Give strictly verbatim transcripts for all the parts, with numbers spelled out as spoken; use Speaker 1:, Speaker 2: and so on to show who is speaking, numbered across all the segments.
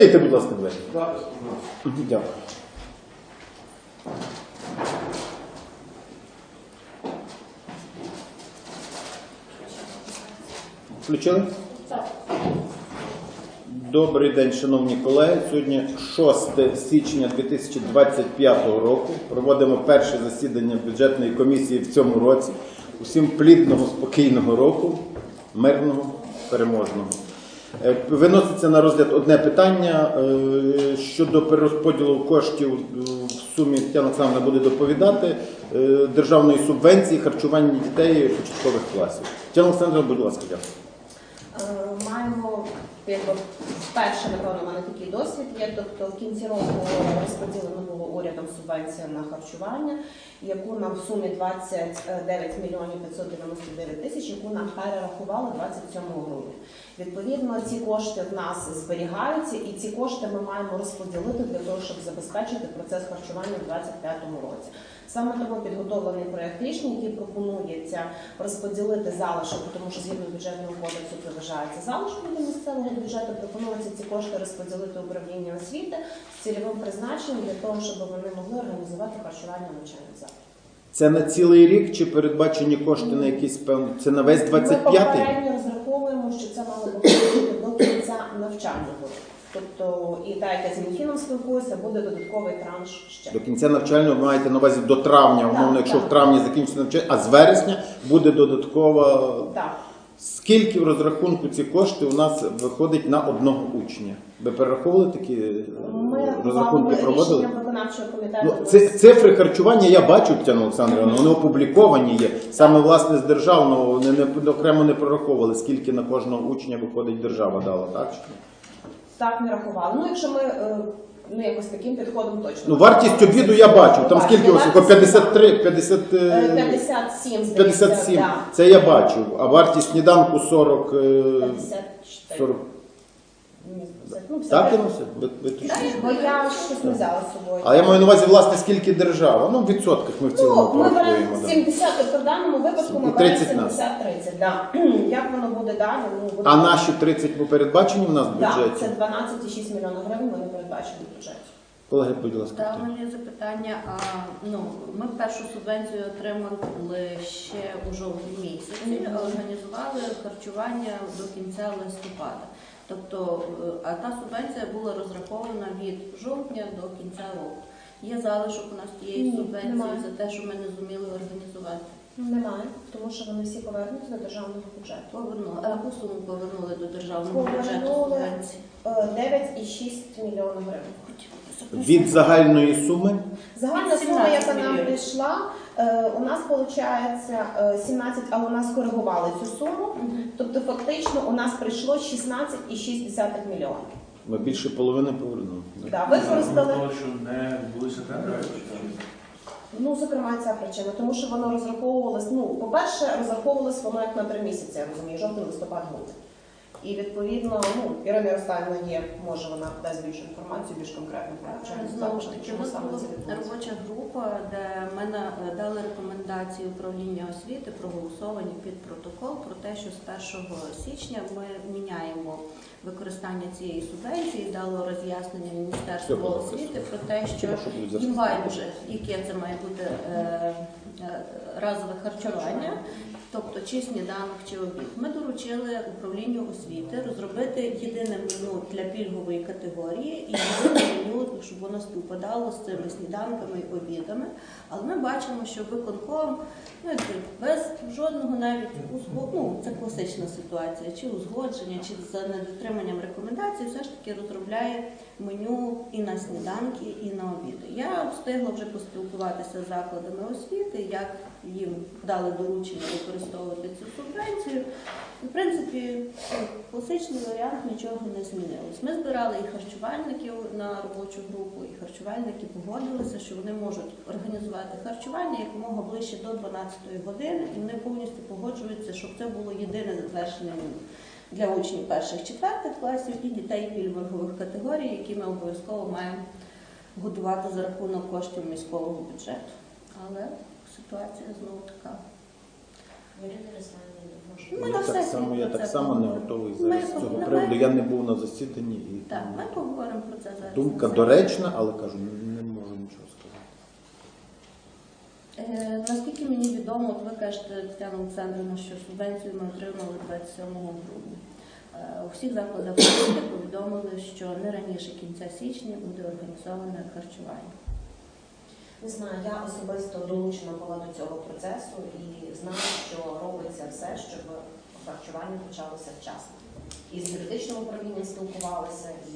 Speaker 1: Дайте, будь ласка, двері. Ідіть, дякую. Включили? Так. Добрий день, шановні колеги. Сьогодні шосте січня дві тисячі двадцять п'ятого року. Проводимо перше засідання бюджетної комісії в цьому році. Усім плідного, спокійного року, мирного, переможного. Виноситься на розгляд одне питання щодо перерозподілу коштів в сумі, Тетяна Олександрівна буде доповідати, державної субвенції харчування дітей початкових класів. Тетяна Олександрівна, будь ласка, дякую.
Speaker 2: Маємо, якби, вперше, напевно, в мене такий досвід є, тобто в кінці року розподілено було урядом субвенція на харчування, яку нам в сумі двадцять дев'ять мільйонів п'ятсот дев'яносто дев'ять тисяч, яку нам перерахували двадцять сьомого грудня. Відповідно, ці кошти в нас зберігаються, і ці кошти ми маємо розподілити для того, щоб забезпечити процес харчування в двадцять п'ятому році. Саме тому підготовлений проєкт рішення, який пропонується розподілити залишок, тому що згідно бюджетного кодексу це вважається залишком до місцевого бюджету, пропонується ці кошти розподілити управління освіти з цільовим призначенням для того, щоб вони могли організувати харчування навчальних закладів.
Speaker 1: Це на цілий рік чи передбачені кошти на якісь певні? Це на весь двадцять п'ятий?
Speaker 2: Ми попередньо розраховуємо, що це мало бути до кінця навчального року. Тобто, і так, як я з Мінфіном спілкуюся, буде додатковий транш ще.
Speaker 1: До кінця навчального ви маєте на увазі до травня, умовно, якщо так, в травні закінчиться навчання, а з вересня буде додаткова.
Speaker 2: Так.
Speaker 1: Скільки в розрахунку ці кошти у нас виходить на одного учня? Ви перераховували такі
Speaker 2: ми
Speaker 1: розрахунки, проводили?
Speaker 2: Виконавчого комітету.
Speaker 1: Ну, це, цифри харчування я бачу, Тетяна Олександрівна, вони опубліковані є. Саме, власне, з державного, не, не, окремо не прораховували, скільки на кожного учня виходить держава дала, так?
Speaker 2: Так, не рахували. Ну, якщо ми, ну, якось таким підходом точно.
Speaker 1: Ну, вартість обіду я бачу, там скільки ось, п'ятдесят три, п'ятдесят...
Speaker 2: п'ятдесят сім, здається.
Speaker 1: п'ятдесят сім,
Speaker 2: да.
Speaker 1: Це я бачу, а вартість сніданку сорок...
Speaker 2: п'ятдесят чотири.
Speaker 1: сорок...
Speaker 2: Ну,
Speaker 1: так, Інуся? Ви, ви
Speaker 2: бо я щось не взяла з собою.
Speaker 1: Але я маю на увазі, власне, скільки держава? Ну, в відсотках ми в цілому
Speaker 2: ну, ми
Speaker 1: порахуємо.
Speaker 2: беремо сімдесят, тобто в даному випадку ми беремо сімдесят тридцять. Да. Як воно буде далі? Ну, буде...
Speaker 1: А наші тридцять ми передбачені в нас в бюджеті?
Speaker 2: Так, це дванадцять цілих шість десятих мільйона гривень вони передбачені в бюджеті.
Speaker 1: Колеги, будь ласка.
Speaker 3: Так, у мене є запитання. А, ну, ми першу субвенцію отримали ще у жовтні місяці, mm-hmm. організували харчування до кінця листопада. Тобто, а та субвенція була розрахована від жовтня до кінця року. Є залишок у нас тієї субвенції немає. За те, що ми не зуміли організувати?
Speaker 2: Немає, тому що вони всі повернуться до державного бюджету.
Speaker 3: Повернули. А яку суму повернули до державного бюджету субвенції?
Speaker 2: дев'ять цілих шість десятих мільйона гривень.
Speaker 1: Від загальної суми?
Speaker 2: Загальна сума, яка нам прийшла, у нас виходить сімнадцять, а у нас коригували цю суму. Тобто фактично у нас прийшло шістнадцять цілих шість десятих мільйонів.
Speaker 1: Ми більше половини повернули.
Speaker 2: Так, використали.
Speaker 4: Тому що не відбулися тендери?
Speaker 2: Ну, зокрема, ця причина, тому що воно розраховувалось, ну, по-перше, розраховувалось воно як на три місяці, я розумію, жовтень, листопад, грудень. І відповідно, ну, Ірина Ярославівна є, може вона дасть більшу інформацію, більш конкретно про навчальні
Speaker 3: Знову ж
Speaker 2: заклади,
Speaker 3: таки,
Speaker 2: чому
Speaker 3: у нас
Speaker 2: саме
Speaker 3: була
Speaker 2: це відбулося.
Speaker 3: робоча група, де ми дали рекомендації управління освіти, проголосовані під протокол про те, що з першого січня ми міняємо використання цієї субвенції, дало роз'яснення Міністерству освіти про те, що їм байдуже, яке це має бути е, е, разове харчування, тобто чи сніданок, чи обід. Ми доручили управлінню освіти розробити єдине меню для пільгової категорії і єдине меню, щоб воно співпадало з цими сніданками і обідами. Але ми бачимо, що виконком, ну, без жодного навіть узгодження, ну, це класична ситуація, чи узгодження, чи за недотриманням рекомендацій, все ж таки розробляє меню і на сніданки, і на обіди. Я встигла вже поспілкуватися з закладами освіти, як їм дали доручення використовувати цю субвенцію. В принципі, класичний варіант, нічого не змінилось. Ми збирали і харчувальників на робочу групу, і харчувальники погодилися, що вони можуть організувати харчування якомога ближче до дванадцятої години, і вони повністю погоджуються, щоб це було єдине затверджене меню для учнів перших-четвертих класів і дітей пільгових категорій, які ми обов'язково маємо годувати за рахунок коштів міського бюджету. Але ситуація знову така.
Speaker 5: Ірина Ярославівна,
Speaker 3: Ми
Speaker 1: Я
Speaker 3: на
Speaker 1: так
Speaker 3: сесії
Speaker 1: само, я
Speaker 3: про
Speaker 1: так
Speaker 3: це
Speaker 1: само не
Speaker 3: поговоримо.
Speaker 1: готовий
Speaker 3: Ми
Speaker 1: зараз з цього
Speaker 3: поговоримо.
Speaker 1: приводу. Я не був на засіданні і
Speaker 3: Так, ми поговоримо про це зараз.
Speaker 1: думка
Speaker 3: на сесії.
Speaker 1: доречна, але кажу, не можу нічого сказати.
Speaker 3: Е, Наскільки мені відомо, от ви кажете, Тетяна Олександрівна, що субвенцію ми отримали двадцять сьомого грудня. Е, У всіх закладах освіти повідомили, що не раніше кінця січня буде організоване харчування.
Speaker 2: Не знаю, я особисто долучена була до цього процесу і знаю, що робиться все, щоб харчування почалося вчасно. І з юридичним управлінням спілкувалися, і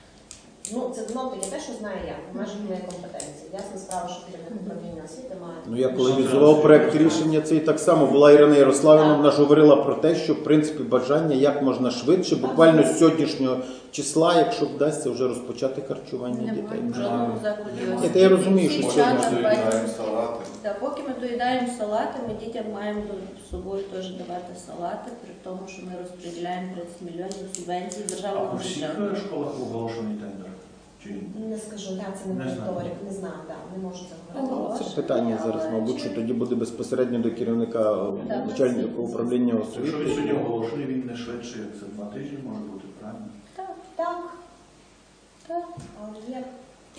Speaker 2: ну це знову таки те, що знаю я, в межах моєї компетенції. Ясна справа, що керівник управління освіти має.
Speaker 1: Ну, я коли візував проект рішення, це і так само була Ірина Ярославівна, вона ж говорила про те, що в принципі бажання як можна швидше, буквально з сьогоднішнього числа, якщо вдасться вже розпочати харчування дітей.
Speaker 3: Немає в жодному закладі
Speaker 1: Ні,
Speaker 3: освіти.
Speaker 1: та я розумію,
Speaker 3: Всі
Speaker 1: що
Speaker 3: дівчата
Speaker 1: сьогодні
Speaker 3: бачать-
Speaker 5: доїдаємо салати.
Speaker 3: Та, поки ми доїдаємо салати, ми дітям маємо з собою теж давати салати, при тому, що ми розподіляємо тридцять мільйонів субвенцій
Speaker 4: А
Speaker 3: державного
Speaker 4: у всіх
Speaker 3: бюджету.
Speaker 4: е, школах оголошений тендер? Чи ні?
Speaker 2: Не скажу, я це не
Speaker 4: Не знаю.
Speaker 2: моніторик, не знаю, так, не можу це
Speaker 3: Ну,
Speaker 2: говорити.
Speaker 1: Це питання зараз, мабуть, що тоді буде безпосередньо до керівника
Speaker 3: Так.
Speaker 1: начальника управління
Speaker 4: Якщо він сьогодні
Speaker 1: освіти.
Speaker 4: оголошений, він не швидше, як це два тижні може бути, правильно?
Speaker 3: Так,
Speaker 2: Так,
Speaker 3: так.
Speaker 2: але є.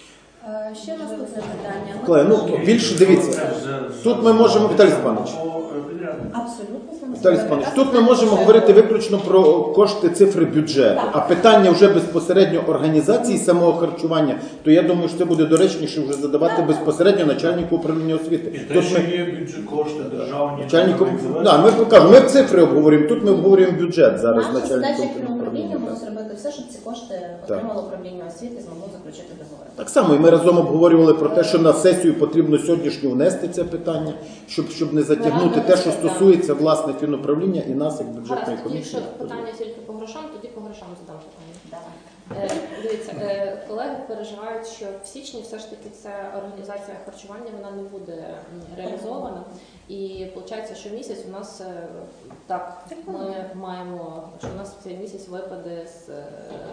Speaker 3: Е, Ще наступне питання. Ми-
Speaker 1: Колеги, ну більше дивіться.
Speaker 4: Це вже
Speaker 1: Тут ми можемо, Віталій Степанович.
Speaker 4: по, е, підряднику.
Speaker 2: Абсолютно з вами
Speaker 1: Віталій Степанович, тут ми можемо говорити виключно про кошти цифри бюджету, а питання вже безпосередньо організації самого харчування, то я думаю, що це буде доречніше вже задавати безпосередньо начальнику управління освіти.
Speaker 4: І те,
Speaker 1: Тут
Speaker 4: що
Speaker 1: ми
Speaker 4: є бюджет, кошти державні.
Speaker 1: начальнику,
Speaker 4: які завезли.
Speaker 1: да, ми покажемо, ми цифри обговорюємо, тут ми обговорюємо бюджет зараз
Speaker 2: Наша задача
Speaker 1: начальником
Speaker 2: як управління
Speaker 1: управління.
Speaker 2: було
Speaker 1: так.
Speaker 2: зробити все, щоб ці кошти отримало управління освіти і змогло заключити договори.
Speaker 1: Так само, і ми разом обговорювали про те, що на сесію потрібно сьогоднішню внести це питання, щоб, щоб не затягнути те, що стосується власне фінуправління і нас як бюджетної
Speaker 6: Гаразд, тоді,
Speaker 1: комісії.
Speaker 6: якщо питання тільки по грошам, тоді по грошам задам питання.
Speaker 2: Давай.
Speaker 6: Е, Дивіться, е, колеги переживають, що в січні все ж таки ця організація харчування вона не буде м, реалізована. І виходить, що місяць у нас е, так, ми маємо, що у нас цей місяць випаде з, е,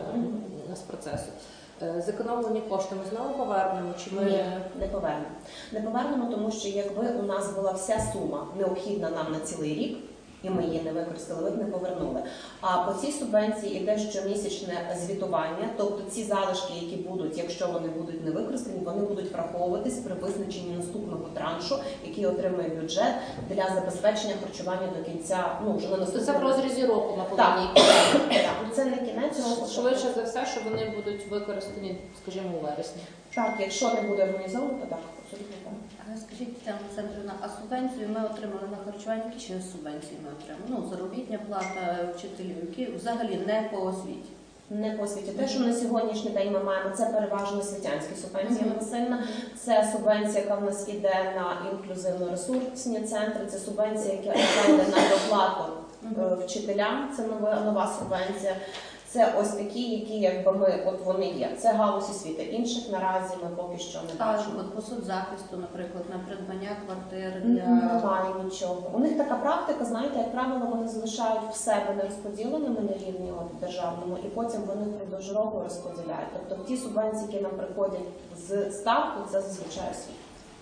Speaker 6: з процесу. Е, Зекономлені кошти ми знову повернемо, чи ми
Speaker 2: Ні, не повернемо. Не повернемо, тому що якби у нас була вся сума необхідна нам на цілий рік, і ми її не використали, ви б не повернули. А по цій субвенції йде щомісячне звітування, тобто ці залишки, які будуть, якщо вони будуть не використані, вони будуть враховуватись при визначенні наступного траншу, який отримує бюджет для забезпечення харчування до кінця, ну вже на
Speaker 6: тобто це в
Speaker 2: наступного
Speaker 6: розрізі року ми
Speaker 2: Так,
Speaker 6: повинні.
Speaker 2: так, це не кінець року.
Speaker 6: Швидше за все, що вони будуть використані, скажімо, у вересні.
Speaker 2: Так, якщо не буде організовано, то так, абсолютно так.
Speaker 3: А Скажіть, Тетяна Олександрівна, а субвенцію ми отримали на харчування, які ще субвенції ми отримали? Ну, заробітня плата вчителів, які взагалі не по освіті.
Speaker 2: Не по освіті. Те, що на сьогоднішній день ми маємо, це переважно освітянські субвенції, Анна Васильівна. Це субвенція, яка в нас іде на інклюзивно-ресурсні центри, це субвенція, яка йде на доплату е, вчителям, це нова, нова субвенція. Це ось такі, які якби ми, от вони є. Це галузь освіти. Інших наразі ми поки що не
Speaker 3: А
Speaker 2: бачимо.
Speaker 3: от по соцзахисту, наприклад, на придбання квартир
Speaker 2: М,
Speaker 3: для
Speaker 2: Немає нічого. У них така практика, знаєте, як правило, вони залишають в себе нерозподіленими на рівні от, державному, і потім вони впродовж року розподіляють. Тобто ті субвенції, які нам приходять з ставку, це зазвичай освіта.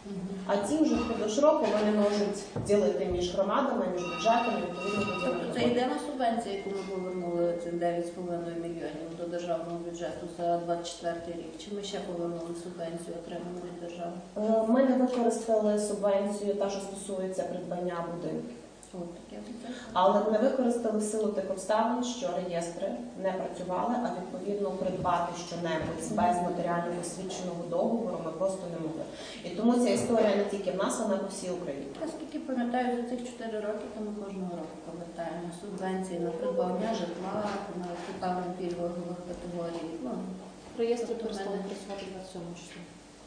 Speaker 2: А ті вже впродовж року вони можуть ділити між громадами, між бюджетами, відповідно
Speaker 3: Тобто
Speaker 2: поділити.
Speaker 3: це єдина субвенція, яку ми повернули цих дев'ять з половиною мільйонів до державного бюджету за двадцять четвертий рік. Чи ми ще повернули субвенцію, отриману від держави?
Speaker 2: Е, Ми не використали субвенцію, та що стосується придбання будинків.
Speaker 3: От таке питання.
Speaker 2: Але не використали в силу тих обставин, що реєстри не працювали, а відповідно придбати щонебудь без матеріально посвідченого договору ми просто не могли. І тому ця історія не тільки в нас, вона по всій Україні.
Speaker 3: Наскільки пам'ятаю, за цих чотири роки, то ми кожного року повертаємо субвенції на придбання житла, на певних пільгових категорій. Ну,
Speaker 6: Реєстри
Speaker 3: Тобто
Speaker 6: перестали
Speaker 3: мене-
Speaker 6: працювати двадцять сьомого числа.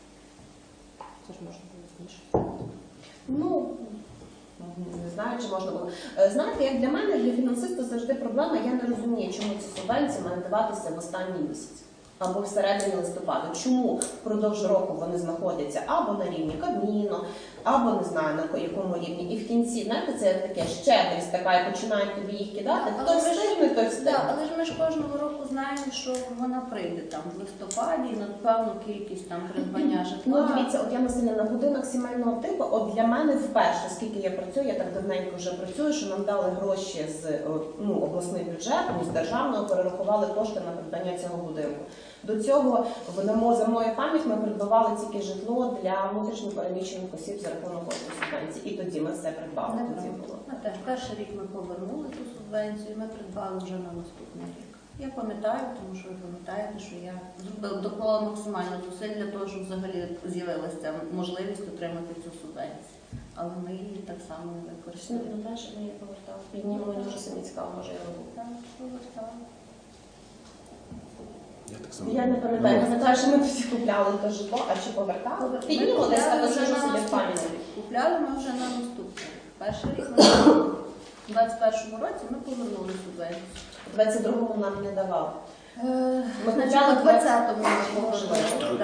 Speaker 6: Це ж можна було раніше.
Speaker 2: Ну, не знаю, чи можна було. Е, Знаєте, як для мене, для фінансиста завжди проблема, я не розумію, чому ці субвенції мають даватися в останній місяць або всередині листопада. Чому впродовж року вони знаходяться або на рівні Кабміну, або не знаю на якому рівні. І в кінці, знаєте, це таке щедрість така, і починають тобі їх кидати.
Speaker 3: Але
Speaker 2: Хто
Speaker 3: ми ж-
Speaker 2: встигне, той
Speaker 3: Да,
Speaker 2: встигне.
Speaker 3: але ж ми ж кожного року знаємо, що вона прийде там в листопаді на певну кількість там придбання
Speaker 2: Ну,
Speaker 3: житла.
Speaker 2: дивіться, от я Василя, на будинок сімейного типу, от для мене вперше, скільки я працюю, я так давненько вже працюю, що нам дали гроші з е, ну, обласний бюджет, ну, з державного, перерахували кошти на придбання цього будинку. До цього в НАМО, за мною пам'ять, ми придбавали тільки житло для внутрішньо переміщених осіб за рахунок коштів субвенції. І тоді ми все придбали.
Speaker 3: Не
Speaker 2: Тоді
Speaker 3: правда.
Speaker 2: було.
Speaker 3: Ми теж перший рік ми повернули ту субвенцію, ми придбали вже на наступний рік. Я пам'ятаю, тому що ви пам'ятаєте, що я зробила доклала максимально зусиль для того, щоб взагалі з'явилася можливість отримати цю субвенцію. Але ми її так само не
Speaker 2: Ну,
Speaker 3: використали.
Speaker 2: ну, далі ми її повертали. Мені мені вже самі цікаво, може я робила.
Speaker 3: Так, повертали.
Speaker 1: Я так само.
Speaker 2: Я не пам'ятаю, пам'ятаю, що ми тоді купляли те житло, а чи повертали?
Speaker 3: Ми
Speaker 2: Підніму десь
Speaker 3: купляли
Speaker 2: так
Speaker 3: вже
Speaker 2: вже
Speaker 3: на
Speaker 2: собі в
Speaker 3: наступний
Speaker 2: пам'яті.
Speaker 3: рік. Купляли ми вже на наступний рік. Перший рік ми у двадцять першому році ми повернули субвенцію.
Speaker 2: У двадцять другому нам не давали.
Speaker 3: Ми
Speaker 2: купляли
Speaker 3: почали
Speaker 2: в
Speaker 3: в двадцятому ми повернули.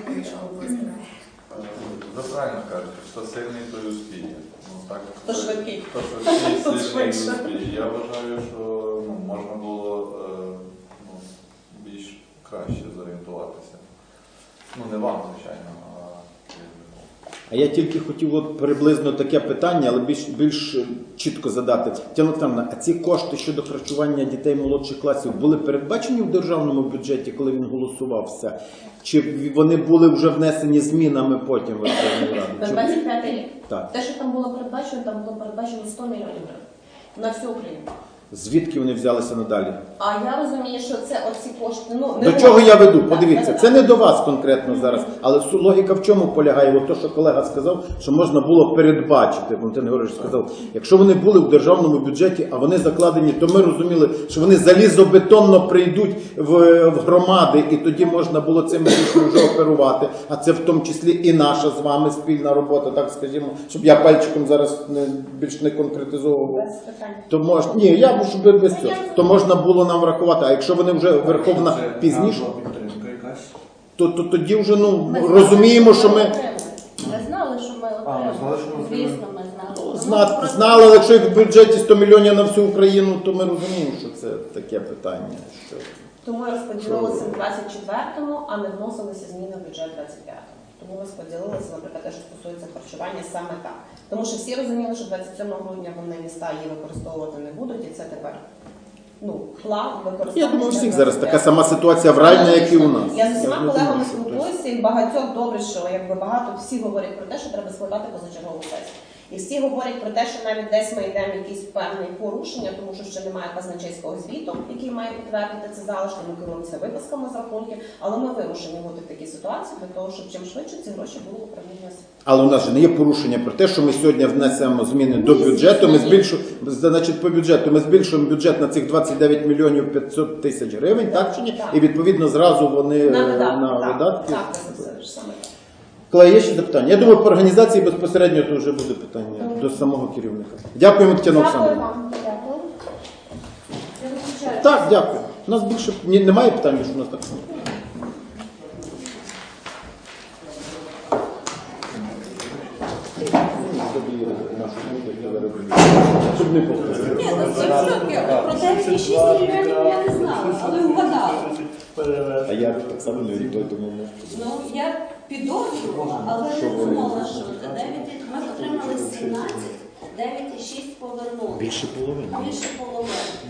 Speaker 5: Ви правильно кажете, хто сильний, той успіє. Ну, так,
Speaker 2: Хто швидкий.
Speaker 5: Хто швидкий,
Speaker 2: Хто
Speaker 5: сильний
Speaker 2: швидше.
Speaker 5: успіє. Я вважаю, що ну, можна було е, ну, більш краще зорієнтуватися. Ну, не вам, звичайно, а керівнику.
Speaker 1: А я тільки хотів от приблизно таке питання, але більш, більш чітко задати. Тетяна Олександрівна, а ці кошти щодо харчування дітей молодших класів були передбачені в державному бюджеті, коли він голосувався? Чи вони були вже внесені змінами потім в Верховну
Speaker 2: На
Speaker 1: Раду? Чи-
Speaker 2: двадцять п'ятий рік.
Speaker 1: Так.
Speaker 2: Те, що там було передбачено, там було передбачено сто мільйонів гривень. На всю Україну.
Speaker 1: Звідки вони взялися надалі?
Speaker 2: А я розумію, що це оці кошти. Ну, не
Speaker 1: До
Speaker 2: можна-
Speaker 1: чого я веду?
Speaker 2: Так,
Speaker 1: Подивіться,
Speaker 2: так,
Speaker 1: це
Speaker 2: так.
Speaker 1: не до вас конкретно зараз, але су- логіка в чому полягає? От то, що колега сказав, що можна було передбачити. Валентин Григорович сказав, якщо вони були в державному бюджеті, а вони закладені, то ми розуміли, що вони залізобетонно прийдуть в, в громади, і тоді можна було цим рішенням вже оперувати. А це в тому числі і наша з вами спільна робота, так скажімо, щоб я пальчиком зараз не, більш не конкретизовував.
Speaker 2: Без питань.
Speaker 1: То можна, ні, я можу би без цього. То можна було нам врахувати. А якщо вони вже Верховна
Speaker 4: Це
Speaker 1: пізніше,
Speaker 4: фінансова підтримка якась.
Speaker 1: то, то тоді вже ну
Speaker 3: Ми
Speaker 1: розуміємо, що ми
Speaker 3: Ми знали, що ми
Speaker 4: А, ми знали, що
Speaker 3: отримали.
Speaker 4: ми
Speaker 3: Звісно, ми знали. Тому
Speaker 1: зна,
Speaker 3: просто-
Speaker 1: знали, але якщо в бюджеті сто мільйонів на всю Україну, то ми розуміємо, що це таке питання. Що...
Speaker 2: Тому розподілилися в двадцять четвертому, а не вносилися зміни в бюджет двадцять п'ятому. Тому розподілилися, наприклад, те, що стосується харчування, саме так. Тому що всі розуміли, що двадцять сьомого грудня вони міста її використовувати не будуть, і це тепер ну, план використання.
Speaker 1: Я думаю, у всіх
Speaker 2: для
Speaker 1: зараз
Speaker 2: двадцять
Speaker 1: така
Speaker 2: п'ятого.
Speaker 1: сама ситуація в районі, як і у нас.
Speaker 2: Я з усіма
Speaker 1: не думаю,
Speaker 2: колегами
Speaker 1: що хтось-
Speaker 2: спілкуюся, і багатьох добре, що якби багато всі говорять про те, що треба складати позачергову сесію. І всі говорять про те, що навіть десь ми йдемо в якісь певні порушення, тому що ще немає казначейського звіту, який має підтвердити це залишки, ми керуємося виписками з рахунків, але ми вимушені бути в такій ситуації для того, щоб чим швидше ці гроші були в управлінні освіти.
Speaker 1: Але у нас же не є порушення про те, що ми сьогодні внесемо зміни до бюджету. Ми збільшуємо, значить, по бюджету ми збільшуємо бюджет на цих двадцять дев'ять мільйонів п'ятсот тисяч гривень, так чи ні?
Speaker 2: Так.
Speaker 1: І відповідно зразу вони
Speaker 2: На
Speaker 1: е,
Speaker 2: видатки.
Speaker 1: на
Speaker 2: так,
Speaker 1: видатки.
Speaker 2: Так, це все ж саме так.
Speaker 1: Колеги, є ще запитання? Я думаю, по організації безпосередньо то вже буде питання до самого керівника. Дякуємо, Тетяна
Speaker 2: Дякую
Speaker 1: Олександрівна.
Speaker 2: вам. Дякую.
Speaker 3: Я виключаю.
Speaker 1: Так, дякую. У нас більше ні, немає питань, що у нас так. Щоб не повторити.
Speaker 3: Ні, ну це в шокі. Про дев'ять і шість мільйонів я не знала, але вгадала.
Speaker 1: А я так само не відповідь, тому ми.
Speaker 3: Ну, я підозрювала, але не думала, що це дев'ять. Ми отримали сімнадцять, дев'ять і шість повернули.
Speaker 1: Більше половини.
Speaker 3: Більше половини.